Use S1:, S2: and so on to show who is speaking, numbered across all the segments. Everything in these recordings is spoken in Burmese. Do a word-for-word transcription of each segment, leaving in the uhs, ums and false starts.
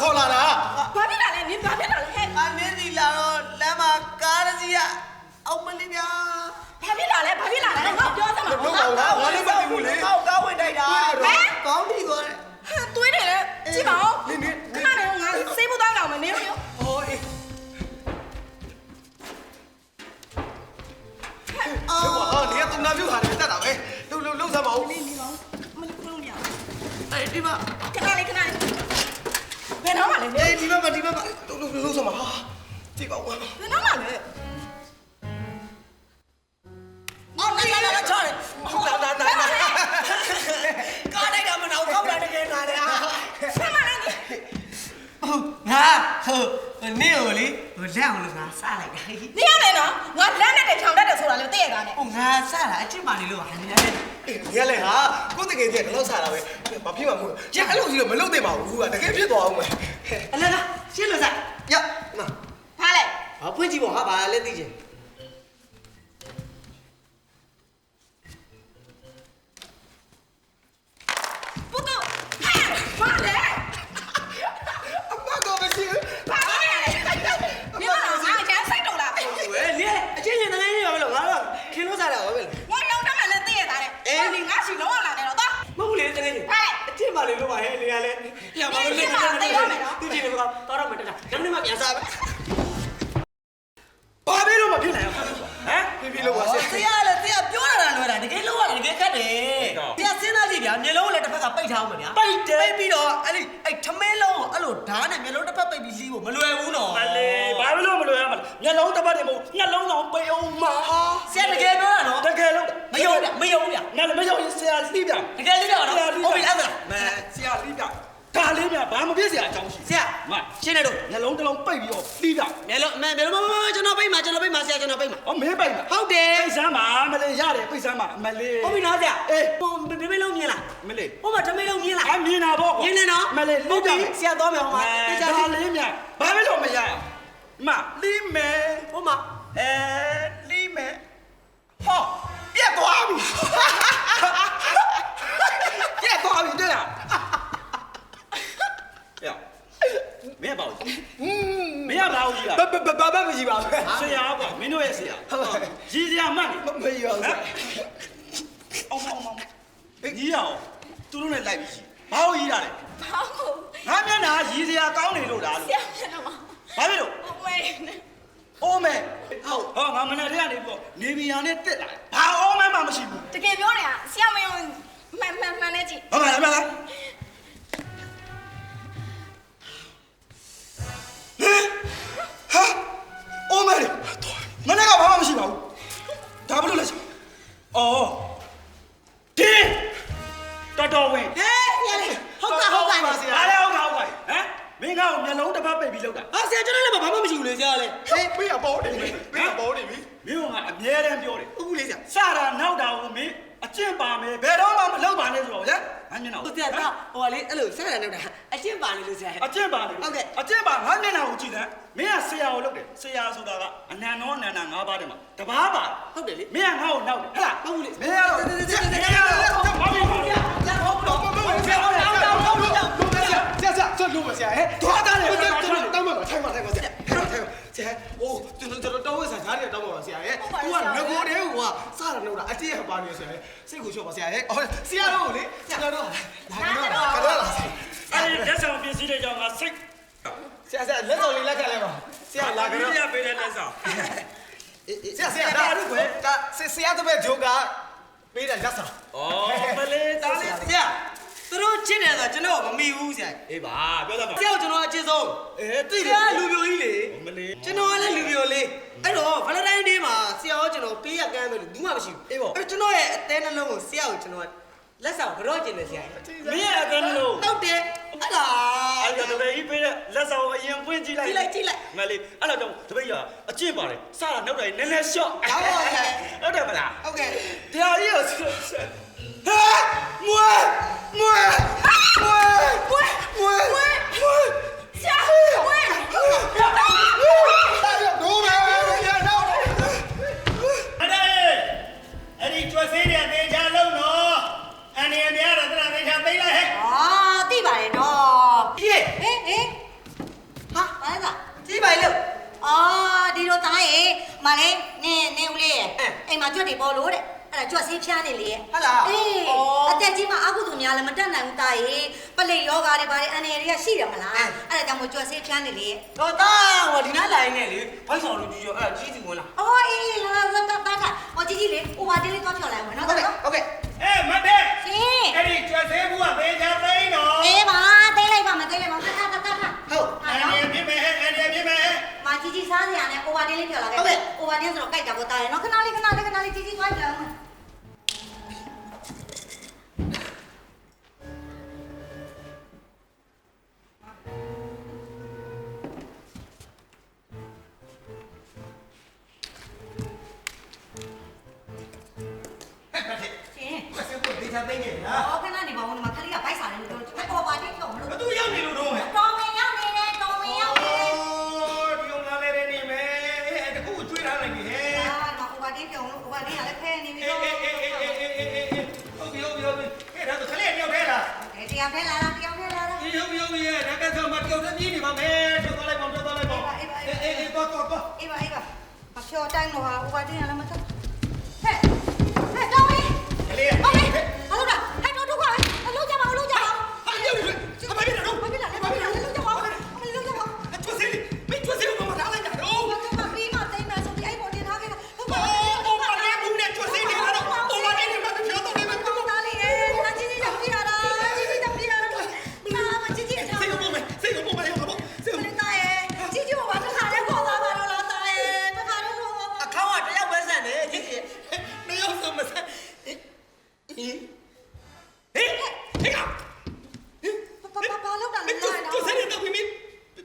S1: ခေါ်လာတာ
S2: ဘာဖြစ်လာလဲနင်ဘာဖြစ်လာလဲဟဲ့
S1: အနင်းဒီလာတော့လမ်းမှာကားကြီးကအောင်မလေးဗျာ
S2: ဘာဖြစ်လာလဲဘာဖြစ်လာလဲငါပြောစမ်းပါ
S1: ဘာလို့ငါလည်းမသိဘူးလေကောက်ကားဝင်တိုက်တာဟမ်ကောင်းပြီသွားတယ်
S2: ဟာတွေးနေလေကြည့်ပါဦးနင်နင်ခဏနေငါစေးဖို့တောင်းအောင်မယ်နင်ရော
S1: ဟောအေးအော်ဟာဒီကတူနာပြုတ်ခါတယ်တက်တာပဲလှုပ်လှုပ်လှုပ်စမ်းပါဦး
S2: နေနေပါဦးမလေးခုလုံးမရ
S1: အေးဒီမှာ
S2: ခဏလေးခဏလေးဘယ်တော့မှလဲ
S1: အေးဒီမှာဒီမှာလှုပ်လှုပ်လှုပ်စမ်းပါဟာကြည့်ပါဦး
S2: ဘယ်တော့မှလဲ
S1: အော်နေလာလာချော်ဟုတ်လားနာနာကားလိုက်တာမနောက်ခောက်တာတကယ်နာတယ်ဟာ
S2: ဆမ်းမလားနေ
S1: ငါဟိုနေကိုလေဟိုလက်အောင်လို့ငါစလိုက်တာ
S2: နေရမယ်နော်ငါလက်နဲ့တချောင်တတ်တယ်ဆိုတာလေသိရတာနဲ့
S1: ဟိုငါစတာအချစ်ပါနေလို့ဟာနေရတယ်အေးနေရလေဟာကိုတကယ်ကြီးကတော့စတာပဲဘာဖြစ်မှာမဟုတ်ရအဲ့လိုကြီးတော့မလုပ်သင့်ပါဘူးကတကယ်ဖြစ်သွားအောင်မယ်အလားလားရှင်းလို့စရမ
S2: ဘာလဲ
S1: ဘာဖွင့်ကြည့်ပေါ့ဟာဘာလဲသိချင်
S2: ပုတ်ဘာလဲ
S1: အမကတော့မရှိဘူး
S2: ဘာလဲနေပါငါအချမ်းစိတ်တော့လား
S1: ဝဲနေအချင်းချင်းတကယ်ကြီးပါမလို့ငါတော့ခင်လို့စားတာပါပဲ
S2: ငါလုံးတတ်မှလည်းသိရတာတဲ့အေးငါရှိလုံးဝလာတယ်တော့တော့
S1: မဟုတ်လေတကယ်ကြီးအချင်းပါလေလို့ပါဟဲ့နေရလဲ
S2: ရပါလို့လေသိရမယ်နော်
S1: သူကြည့်နေကောတော့တော့မတက်တာဒါနဲ့မှပြန်စားပဲဘာပဲလို့မဖြစ်နိုင်အောင်ဟမ်ပြပြလို့ပါဆရာလည်းဆရာပြောတာလွယ်တာတကယ်လို့ရတယ်တကယ်ခက်တယ်ဆရာစဉ်းစားကြည့်ဗျာမျက်လုံးလည်းတစ်ဖက်ကပိတ်ထားအောင်ဗျာပိတ်တယ်ပိတ်ပြီးတော့အဲ့ဒီအဲ့ထမင်းလုံးကိုအဲ့လိုဓာတ်နဲ့မျက်လုံးတစ်ဖက်ပိတ်ပြီးလီးဖို့မလွယ်ဘူးနော်
S3: မလေးဘာလို့မလွယ်ရမလဲမျက်လုံးတစ်ဖက်တည်းမဟုတ်နှလုံးတောင်ပိတ်အောင်မှာ
S1: ဟာဆရာတကယ်ပြောတာနော်
S3: တကယ်လို့
S1: မယုံဗျမယုံဗျ
S3: ငါလည်းမယုံရင်ဆရာလီးပြ
S1: တကယ်လီးပြတော့ဟုတ်ပြီအဲ့ဒါ
S3: မဲဆရာလီးပြဒါလေးမြဘာမဖြစ်စရာအကြောင်းရှိ
S1: ဆရာ
S3: မ
S1: ရှင်းနေတော့
S3: နှလုံးတစ်လုံးပိတ်ပြီးတော့လီးပြ
S1: မျက်လုံးမမျက်လုံးမကျွန်တော်ပိတ်မှာကျွန်တော်ပိတ်မှာဆရာကျွန်တော်ပိတ်မှာ
S3: ဟောမင်းပိတ်မှာ
S1: ဟုတ်တယ်
S3: ပိတ်စမ်းပါမလေးရတယ်ပိတ်စမ်းပါမလေး
S1: ဟုတ်ပြီနော်ဆရာ
S3: အေး
S1: ဟိုတမင်းလုံးမြင်လား
S3: မလေး
S1: ဟိုမှာတမင်းလုံးမြင်လား
S3: အမြင်တာပေါ့
S1: မြင်နေနော်
S3: မလေး
S1: ဟုတ်ပြီဆရာသွားမယ်ဟိုမှာ
S3: တေချာလေးမြဘာပဲလို့မရမလီးမယ်
S1: ဟိုမှာ
S3: အဲလီးမယ်ဟောပြတ်သွားပြီပြတ်သွားပြီတဲ့လားမင်းပါဦးမင်းပါဦးကြီးလား
S1: ဘာဘာဘာမရှိပါဘူး
S3: ဆရာကွာမင်းတို့ရဲ့ဆရာရည်စရာမှတ်
S1: မမရအောင်ဆရာ
S3: အောင်အောင်အောင်ကြီးရအောင်သူတို့နဲ့လိုက်ပြီးဘာလို့ကြီးတာလဲ
S2: ဘာလို့
S3: ငါမျက်နှာရည်စရာကောင်းနေလို့လား
S2: ဆရာမျက်နှာမှာ
S3: ဘာဖြစ်လို့
S2: အိုးမဲ
S3: အိုးမဲဟုတ်ဟောငါမနေ့တည်းကနေပြီးတော့နေဗီယာနဲ့တက်လာဘာအိုးမဲမှမရှိဘူး
S2: တကယ်ပြောနေတာဆရာမယုံမှန်မှန်မှန်နဲ့ကြည့်
S3: ဟုတ်ပါလားမှန်လားဟာအိုးမဲမနေ့ကဘာမှမရှိပါဘူးဒါဘလို့လဲအော်ဒီတော်တော်ဝင်
S1: ဟဲ့ရလေဟုတ်ကဲ့ဟုတ်ကဲ့ပါဆရာ
S3: အားလည်းဟုတ်ကဲ့ဟုတ်ကဲ့ဟမ်မင်းကောင်မျက်လုံးတစ်ပတ်ပိတ်ပြီးလောက်တာ
S1: ဟာဆရာကျွန်တော်လည်းဘာမှမရှိဘူးလေဆရာလေ
S3: ဟေးမင်းကပေါ်နေပြီမင်းကပေါ်နေပြီမင်းကအမြဲတမ်းပြောတယ်
S1: ဟုတ်ဘူးလေဆရာ
S3: စတာနောက်တာကိုမင်းအကျင့်ပါမယ်ဘယ်တော့မှမလောက်ပါနဲ့ဆိုတော့ဟဲ့ငါမျက်နှာ
S1: ကိုဆရာကဟိုလေအဲ့လိုဆက်ရနောက်တာအကျင့်ပါနေလို့ဆရာ
S3: အကျင့်ပါနေ
S1: ဟုတ်ကဲ့
S3: အကျင့်ပါငါမျက်နှာကိုကြည့်တယ်မင်းကဆရာကိုလုပ်တယ်ဆရာဆိုတာကအနန္တောအနန္တငါးပါးတည်းမှာတပါးပါ
S1: ဟုတ်တယ်လေ
S3: မင်းကငါ့ကိုနောက်တယ်ဟဲ့လား
S1: ဟုတ်ဘူးလေ
S3: မင်းကတော့ဆရာဆရာဘာဖြစ်လဲဆရာဟုတ်တော့မဟုတ်ဆရာဟုတ်တယ်ဟုတ်တယ်ဟုတ်တယ်ဆရာဆရာဆွလို့ပါဆရာဟဲ့သွားတာလေတောင်းပါထိုင်ပါထိုင်ပါဆရာထိုင်ပါဆရာအိုးကျွန်တော်ကျွန်တော်တောင်းဝဲဆရာကြားတယ်တောင်းပါပါဆရာဟဲ့သူကငကိုတဲ့ဟိုကစတာလို့တာအကျင့်ပါနေဆရာဟဲ့စိတ်ကိုချော့ပါဆရာဟဲ့ဟောဆရာတို့လေဆရာတို့လာကြတော့ကတော့လာဆရာအဲ့ဒီလက်ဆောင်ပစ္စည်းတွေကြောင့်ငါစိတ်ဆရာဆရာလက်ဆောင်လေးလက်ခံလိုက်ပါဆရာလာကြတော့ဆရာပေးတဲ့လက်ဆောင်ဆရာဆရာဒါတို့ပဲဒါဆရာတို့ပဲဂျိုကပေးတဲ့လက်ဆောင်ဩမလေးတားလေး
S1: ဆရာသူတို့ချစ်တယ်ဆိုကျွန်တော်မမီဘူးဆရာ
S3: အေးပါပြောသားပါ
S1: ဆရာကျွန်တော်အချစ်ဆုံး
S3: အေးသိ
S1: တယ်ဆရာလူပြိုကြီးလေ
S3: မလေး
S1: ကျွန်တော်ကလည်းလူပြိုလေးအဲ့တော့ Valentine Day မှာဆရာကကျွန်တော်ပေးရကမ်းမယ်လို့ဘူးမှမရှိဘူး
S3: အေးပေါ့
S1: အဲ့ကျွန်တော်ရဲ့အသေးနှလုံးကိုဆရာကိုကျွန်တော်လက်ဆောင်ကြော့ကျင်တယ်ဆရာ
S3: မင်းရဲ့အသေးနှလုံး
S1: ဟုတ်တယ်အဲ့ဒါ
S3: အဲ့ဒါတပည့်ကြီးပေးတဲ့လက်ဆောင်အရင်ပွင့်ကြည့်လိုက်
S1: ကြည့်လိုက်ကြည့်လိုက်
S3: မလေးအဲ့တော့တပည့်ကြီးအကျင့်ပါတယ်စတာနောက်တိုင်းနည်းနည်းရှော့ဟုတ်တယ်မလား
S1: ဟုတ်ကဲ့
S3: တရားကြီးကိုဟာမွေးမွေးမွေး
S2: မွေး
S3: မွေး
S2: မွေး
S3: မွေး
S2: ဆရာမွေး
S3: တို့မယ်ရတော့အဲ့ဒီကျွတ်သေးတဲ့နေချလုံးတော့အနေအများတော့တရနေချသိလိုက်ဟဲ့
S2: အာသိပါတယ်နော်
S1: ပြည့်
S2: ဟင်ဟင်
S4: မလေးနင်းနင်းဦးလေးအိမ်မှာကြွက်တွေပေါ်လို့တဲ့အဲ့ဒါကြွက်ဆေးဖျားနေလေဟုတ်
S1: လား
S4: အေးအသက်ကြီးမှအကုသိုလ်များလည်းမတက်နိုင်ဘူးတာရေပလိယောဂါတွေဘာတွေအန်ရတွေကရှိတယ်မလားအဲ့ဒါကြောင့်မို့ကြွက်ဆေးဖျားနေလေ
S1: တော့တာဟိုဒီနားလာရင်းနဲ့လေဘိုက်ဆောင်လို့ကြည့်ရောအဲ့ကြီးစီဝင်လာ
S4: အော်အေးလာလာတာတာတာဟောကြီးကြီးလေဟိုဘာတင်းလေးသွားဖြော်လိုက်အောင်နော်
S1: ဟုတ်ကဲ့ဟုတ်ကဲ့
S5: အေးမတ်တဲ့
S4: ရှင်
S5: အဲ့ဒီကျွတ်သေးဘူးကဘေးချသိန်းတော့
S4: အေးပါသိလိုက်ပါမသိလိုက်ပါတာတာတာတာ
S1: ဟုတ်
S5: အဲ့ဒီပြင်းမယ်အဲ့ဒီပြင်းမယ်
S4: မကြီးကြီးစားစရာနဲ့ဟိုဘာတင်းလေးဖြော်လာခဲ့ဟိုဘာတင်းဆိုတော့ကြိုက်တာပေါ့တာရေနော်ခဏလေးခဏလေးခဏလေးကြီးကြီးသွားကြအောင် ရှင်
S5: မစဘူးဘေးချသိန်းနေလား
S4: အော်ခဏနေပါဦးဒီမှာခလေးကဘိုက်စားတယ်လို့ပြောတယ်ဟိုဘာတင်းဖြော်မလို့
S5: ဘသူရောက်နေလို့တော့ဟဲ့
S4: တော်ဝင်ရောက်နေတယ်တော်ဝင်ရောက်နေတယ်
S5: ဒီုံလာလေးနေမယ်အဲ့တခုကျွေးထားလိုက်ပြီဟဲ့
S4: အာမဟိုဘာတင်းဖြော်လို့ဟိုဘာတင်းကလည်းဖဲနေပြီ
S5: အေး
S4: တော့
S5: အေးအေးအေးအေးအေးဟုတ်ပြီဟုတ်ပြီဟုတ်ပြီအဲ့ဒါဆိုခလေးတယောက်ထဲလား
S4: တရားဖဲလာတာတရားဖဲလာတာ
S5: အေးဟုတ်ပြီဟုတ်ပြီရဲ့ဒါကဆိုမတယောက်တည်းပြေးနေပါမယ်ထွက်သွားလိုက်ပါထွက်သွားလိုက်ပါအေးအေးအေးတော့တော့တော့
S4: အေးပါအေးပါမဖြော်တိုင်းတော့ဟာဟိုဘာတင်းကလည်းမချက်ဟဲ့ဟဲ့တော်ဝင်
S5: ခလေး
S4: ဟောလေဟာလို့ကဟဲ့တော့တော့ကအလုံးကြပါအလုံးကြပါ
S5: ဟာရုပ်အမပြေတော့
S4: ဘာဖြစ်လဲဘာဖြစ်လဲလုံးကြပါအလုံးကြပါ
S5: ကျွတ်စီမကျွတ်စီဘာမှထားလိုက်တာတော့
S4: ဘာကမှပြီးမှတိတ်မှဆိုဒီအဲ့ပေါ်တင်ထားခဲ့တာဟုတ်ပါ
S5: အိုးဘာလဲဘူးနဲ့ကျွတ်စီနေတော့အိုးဘာလဲမပြောတော့လည်းမပြော
S4: ဘူးသားလေးရဲ့နာကြီးကြီးတောင်ပြရတာကြီးကြီးတောင်ပြရတာမာမကြီးကြီးအထား
S5: စိတ်ကပုံမယ်စိတ်ကပုံမယ်ဟုတ်ပါစိတ်
S4: ဘယ်သားရဲ့ကြီးကြီးဘာတစ်ခါလဲခေါ်သွားပါတော့လားသားရဲ့တစ်ခါလဲခေါ်သွားပါ
S1: အခေါင်းကတယောက်ပဲဆန်တယ်ကြီးကြီး
S5: မရောက်စမစဟင်ဟင်ဟင်ဟင်က
S4: ဘာဘာဘာလောက်တာလဲ
S5: ကျွတ်ကျွတ်စီနေတော့ပြီ
S1: ဟဲ့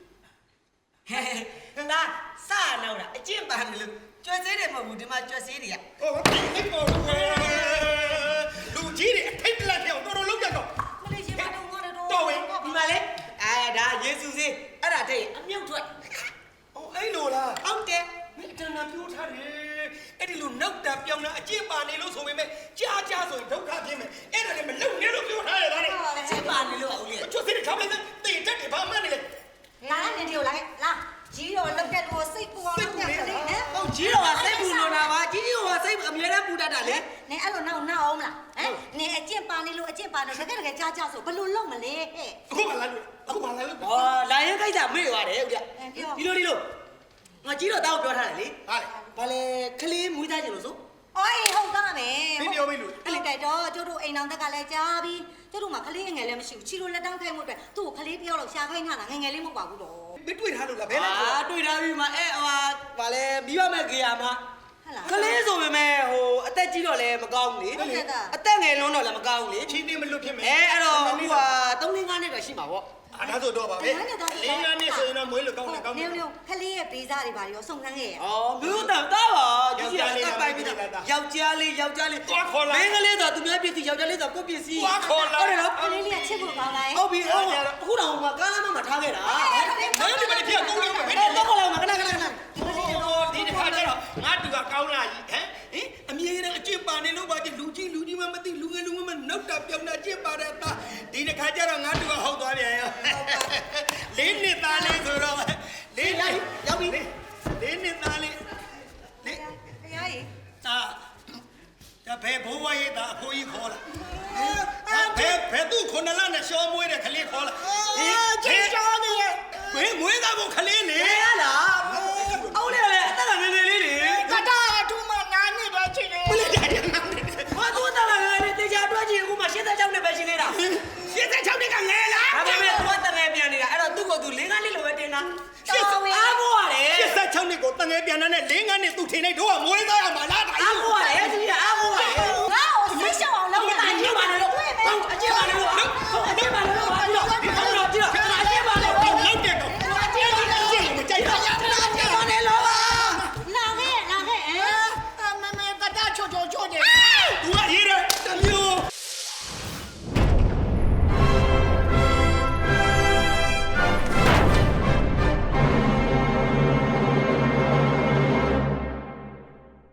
S1: နာစနောက်တာအကျင့်ပါနေလို့ကျွတ်စေးတယ်မဟုတ်ဘူးဒီမှာကျွတ်စေးတွေက
S5: ဟောဒီပေါ်လူကြီးတွေအထိတ်တလက်ပြောင်းတော်တော်လုံးကြတော့
S4: မလေးရှင်မတော့ငါတော့
S5: တော်ဝင်
S1: ဒီမှာလေအဲဒါယေစုစေးအဲ့ဒါတည်းအမြုပ်ထွက်
S5: ဟောအဲ့လိုလား
S1: ဟုတ်တယ်
S5: မင်းတဏှာပြောထားတယ်အဲ့ဒီလိုနောက်တာပြောင်းတာအကျင့်ပါနေလို့ဆိုပေမဲ့ကြားကြားဆိုရင်ဒုက္ခပြင်းမယ်အဲ့ဒါလည်းမလုံနဲ့လို့ပြောထားရတာလေ
S1: အကျင့်ပါနေလို့အောင်လေ
S5: ကျွတ်စီတွေခါမလိုက်တေးတက်တယ်ဘာမှမနေလေ
S4: လာနေဒီကိုလာလာကြီးတော့လောက်တဲ့လူစိတ်ပူအောင်လုပ်နေတယ်ဟမ်
S1: ဟုတ်ကြီးတော့စိတ်ပူနေတာပါကြီးကြီးကစိတ်အမြဲတမ်းပူတတ်တာလေ
S4: နေအဲ့လိုနောက်နောက်အောင်မလားဟမ်နေအကျင့်ပါနေလို့အကျင့်ပါတော့တကယ်တကယ်ကြားကြားဆိုဘယ်လိုလုပ်မလဲဟဲ့
S5: အခုမှလာလို့အခုမှလာလို့
S1: ဟောလာရင်ခိုက်တာမေ့ပါတယ်ဦးကြဒီလိုဒီလိုငါကြီးတော့တောက်ပြောထားတယ်လေ
S5: ဟာလေ
S1: ဘာလဲခလေးမွေးသားကြလို့ဆို
S4: အော်အေးဟုတ်သားမယ်
S5: မင်းပြောပြီးလို့
S4: အဲ့တိုက်တော့ကျတို့အိမ်အောင်တက်ကလည်းကြားပြီးကျတို့မှာခလေးငငယ်လည်းမရှိဘူးချီလိုလက်တောင်းခိုင်းမှုအတွက်သူ့ကိုခလေးပြောလို့ရှာခိုင်းထားတာငငယ်လေးမဟုတ်ပါဘူးတော့
S5: မတွေ့ထားလို့လားဘယ်လဲ
S1: အာတွေ့တာပြီမအဲ့ဟိုဘာလဲပြီးရမဲ့ခေယာမှာ
S4: ဟုတ်လား
S1: ကလေးဆိုပေမဲ့ဟိုအသက်ကြီးတော့လည်းမကောင်းဘူးလေ
S4: ဟုတ်ကဲ့သား
S1: အသက်ငယ်လုံးတော့လည်းမကောင်းဘူးလေ
S5: ချင်းနေမလွတ်ဖြစ်မယ်
S1: အဲအဲ့တော့ဟိုဟာသုံးလငါးနှစ်တော့ရှိမှာပေါ့
S5: အားဒါဆိုတော့ပါပဲလင်းကနေဆိုရင်တော့မွေးလို့ကောင်းတယ်ကောင်းတယ်
S4: နေနေခလေးရဲ့ပေးစားတွေပါရောစုံစမ်းခဲ့ရ
S1: ။အော်မျိုးတော့တာပါ။ကြီးကြီးကပိုက်ပြီးတော့ယောက်ျားလေးယောက်ျားလေးမင်းကလေးဆိုသူများပြည့်စီယောက်ျားလေးဆိုကိုပြည့်စီဟုတ်တယ်နော်
S4: ခလေးလေးကချစ်ဖို့ကောင်းလား
S1: ဟုတ်ပြီဟုတ်အခုတော့ငါကားလမ်းမထားခဲ့တာ
S5: မင်းဒီမလေးပြကုန်းလုံးပဲ
S1: အဲ့တော့ခေါ်လာမှာခဏခဏခဏ
S5: ဒီတစ်ခါကျတော့ငါတူကကောင်းလာကြီးဟမ်ဟင်အမြဲတမ်းအကျင့်ပါနေလို့ပါကြလူကြီးလူကြီးမှမသိလူငယ်လူငယ်မှနောက်တာပြောင်းတာကျင့်ပါတဲ့သားဒီတစ်ခါကျတော့ငါတူကဟုတ်သွားပြန်ရောလေးနှစ်သားလေးဆိုတော့လေးလေးရောက်ပြီလေးနှစ်သားလေးလေး
S4: တရားကြီး
S5: သားဒါဘယ်ဘိုးဝါရေးသားအဖိုးကြီးခေါ်လာဘယ်ဘယ်သူခုနလနဲ့ရှောမွေးတဲ့ခလေးခေါ်လာကြီးရှောနေရဲ့ဘယ်မွေးသားကိုခလေးလေ
S1: ရလားအော်လေလေအသက်ကငယ်ငယ်လေးတွေ
S5: ကတာထူမနာနေပါချင်တယ်ဘယ်လဲကြရနာနေ
S1: ဘာသူတက်ကငယ်လေးတေချာတွက်ကြည့်အခုမှရှင်းတဲ့ကြောင်းနဲ့ပဲရှင်းနေတာ
S5: ရှင်းတဲ့ချောင်းတွေကငယ်လား
S1: ဒါပေမဲ့သူကတငယ်ပြန်နေတာအဲ့တော့သူ့ကိုသူလေးကားလေးလိုပဲတင်တာ
S5: ရှင်း
S1: အားကိုရတယ်
S5: ရှင်းတဲ့ချောင်းတွေကိုတငယ်ပြန်တဲ့လေးငန်းနဲ့သူ့ထင်နေတော့မွေးသားရမှာလားဒါ
S1: အားကိုရတယ်ကြီးအားကိုရတယ်
S4: ငါ့ကိုဆိတ်ရှောင်းအောင်လုပ်
S1: အကျင့်ပါလေလို့အကျင့်ပါလေလို့အကျင့်ပါလေလို့ဘာလို့